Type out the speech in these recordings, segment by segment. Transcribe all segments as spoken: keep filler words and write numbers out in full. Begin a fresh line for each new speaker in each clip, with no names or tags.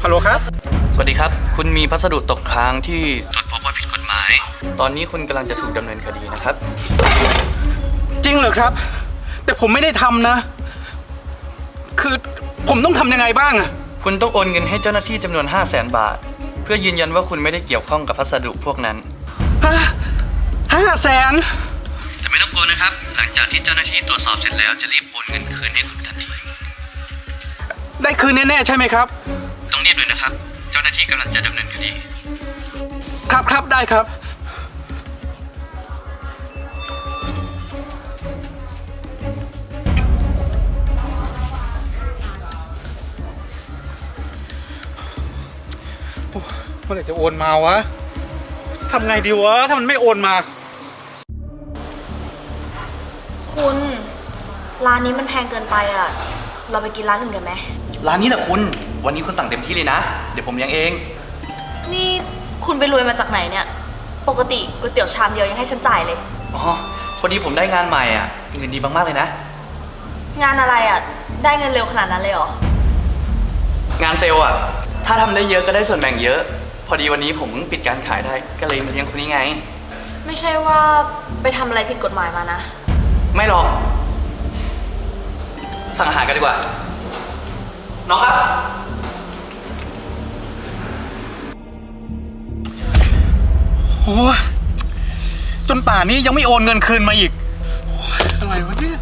ลโหลครับ
สวัสดีครับคุณมีพัสดุตกค้างที่ตรวจพบว่าผิดกฎหมายตอนนี้คุณกำลังจะถูกดำเนินคดีนะครับ
จริงเหรอครับแต่ผมไม่ได้ทำนะคือผมต้องทำยังไงบ้างอะ
คุณต้องโอนเงินให้เจ้าหน้าที่จำนวน ห้าแสน บาทเพื่อยืนยันว่าคุณไม่ได้เกี่ยวข้องกับพัสดุพวกนั้น
ฮะห้าแสน
แต่ไม่ต้องกลัวนะครับหลังจากที่เจ้าหน้าที่ตรวจสอบเสร็จแล้วจะรีบโอนเงินคืนให้คุณทันที
ได้คืนแน่ๆใช่ไหมครับ
ต้องรีบเลยนะครับเจ้าหน้าที่กำลังจะดำเนินคดี
ครับครับได้ครับเมื่อไหร่จะโอนมาวะทำไงดีวะถ้ามันไม่โอนมา
คุณร้านนี้มันแพงเกินไปอ่ะเราไปกินร้านอื่นกันไหม
ร้านนี้แหละคุณวันนี้คุณสั่งเต็มที่เลยนะเดี๋ยวผมเลี้ยงเอง
นี่คุณไปรวยมาจากไหนเนี่ยปกติก๋วยเตี๋ยวชามเดียวยังให้ฉันจ่ายเลย
อ๋อพอดีผมได้งานใหม่อ่ะเงินดีมากๆเลยนะ
งานอะไรอ่ะได้เงินเร็วขนาดนั้นเลยเหร
องานเซลล์อ่ะถ้าทำได้เยอะก็ได้ส่วนแบ่งเยอะพอดีวันนี้ผมปิดการขายได้ก็เลยมาเลี้ยงคุณนี่ไง
ไม่ใช่ว่าไปทำอะไรผิดกฎหมายมานะ
ไม่หรอกสั่งอาหารกันดีกว่าน้องครับ
โอ้จนป่านนี้ยังไม่โอนเงินคืนมาอีกอะไรวะเนี่ย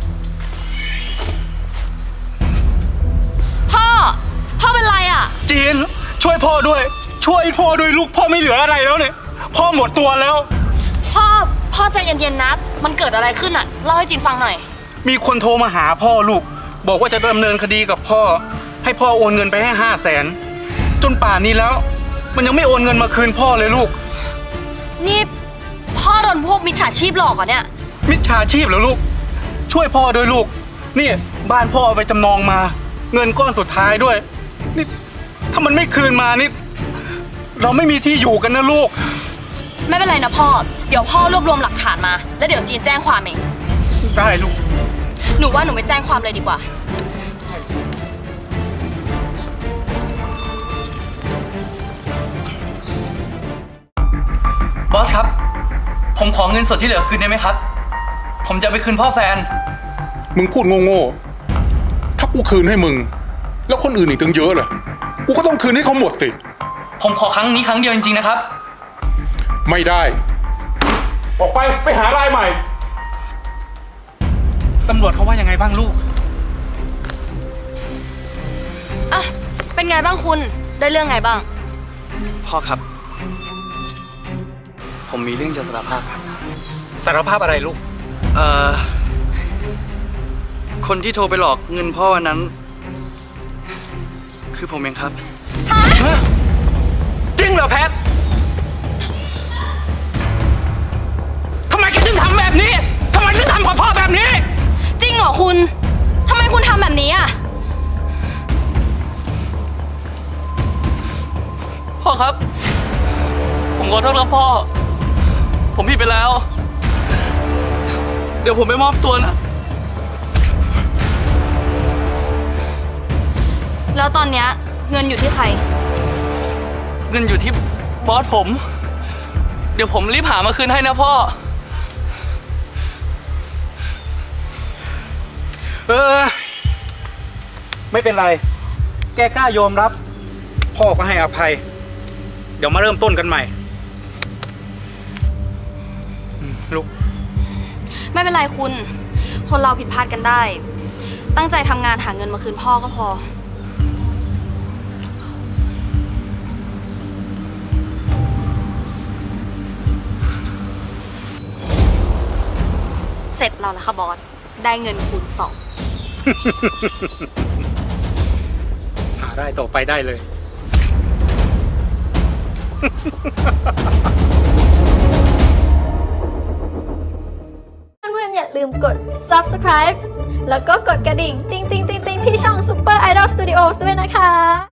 พ่อพ่อเป็นไรอ่ะ
จีนช่วยพ่อด้วยช่วยพ่อด้วยลูกพ่อไม่เหลืออะไรแล้วเนี่ยพ่อหมดตัวแล้ว
พ่อพ่อใจเย็นๆนะมันเกิดอะไรขึ้นอ่ะเล่าให้จีนฟังหน่อย
มีคนโทรมาหาพ่อลูกบอกว่าจะดำเนินคดีกับพ่อให้พ่อโอนเงินไปให้ห้าแสนจนป่านนี้แล้วมันยังไม่โอนเงินมาคืนพ่อเลยลูก
นี่พ่อโดนพวกมิจฉาชีพหลอกเหรอเนี่ย
มิจฉาชีพเหรอลูกช่วยพ่อด้วยลูกนี่บ้านพ่อเอาไปจำนองมาเงินก้อนสุดท้ายด้วยนี่ถ้ามันไม่คืนมานี่เราไม่มีที่อยู่กันนะลูก
ไม่เป็นไรนะพ่อเดี๋ยวพ่อรวบรวมหลักฐานมาแล้วเดี๋ยวจีนแจ้งความเอง
ได้ลูก
หนูว่าหนูไปแจ้งความเลยดีกว่า
บอสครับผมขอเงินสดที่เหลือคืนได้ไหมครับผมจะไปคืนพ่อแฟน
มึงพูดโง่ๆถ้ากูคืนให้มึงแล้วคนอื่นอีกตั้งเยอะเลยกูก็ต้องคืนให้เขาหมดสิ
ผมขอครั้งนี้ครั้งเดียวจริงๆนะครับ
ไม่ได้ออกไปไปหารายใหม่
ตำรวจเขาว่ายังไงบ้างลูก
อ่ะเป็นไงบ้างคุณได้เรื่องไงบ้าง
พ่อครับผมมีเรื่องจะสารภาพครับ
สารภาพอะไรลูก
เอ่อคนที่โทรไปหลอกเงินพ่อวันนั้น คือผมเองครับ
ฮะจริงเหรอแพททำไมแกถึงทำแบบนี้ทำไมถึงทำกับพ่อแบบนี้
จริงเหรอคุณทำไมคุณทำแบบนี้อ่ะ
พ่อครับผมขอโทษครับพ่อผมผิดไปแล้วเดี๋ยวผมไปมอบตัวนะ
แล้วตอนเนี้ยเงินอยู่ที่ใคร
เงินอยู่ที่บอสผมเดี๋ยวผมรีบหามาคืนให้นะพ่อ
เออไม่เป็นไรแกกล้ายอมรับพ่อก็ให้อภัยเดี๋ยวมาเริ่มต้นกันใหม่ลูก
ไม่เป็นไรคุณคนเราผิดพลาดกันได้ตั้งใจทำงานหาเงินมาคืนพ่อก็พอเสร็จเราแล้วค่ะบอสได้เงินคูณสอง
หาได้ต่อไปได้เลย
เพื่อนๆอย่าลืมกด ซับสไครบ์ แล้วก็กดกระดิ่ง ติ๊งติ๊งติ๊งติ๊งที่ช่อง Super Idol Studios ด้วยนะคะ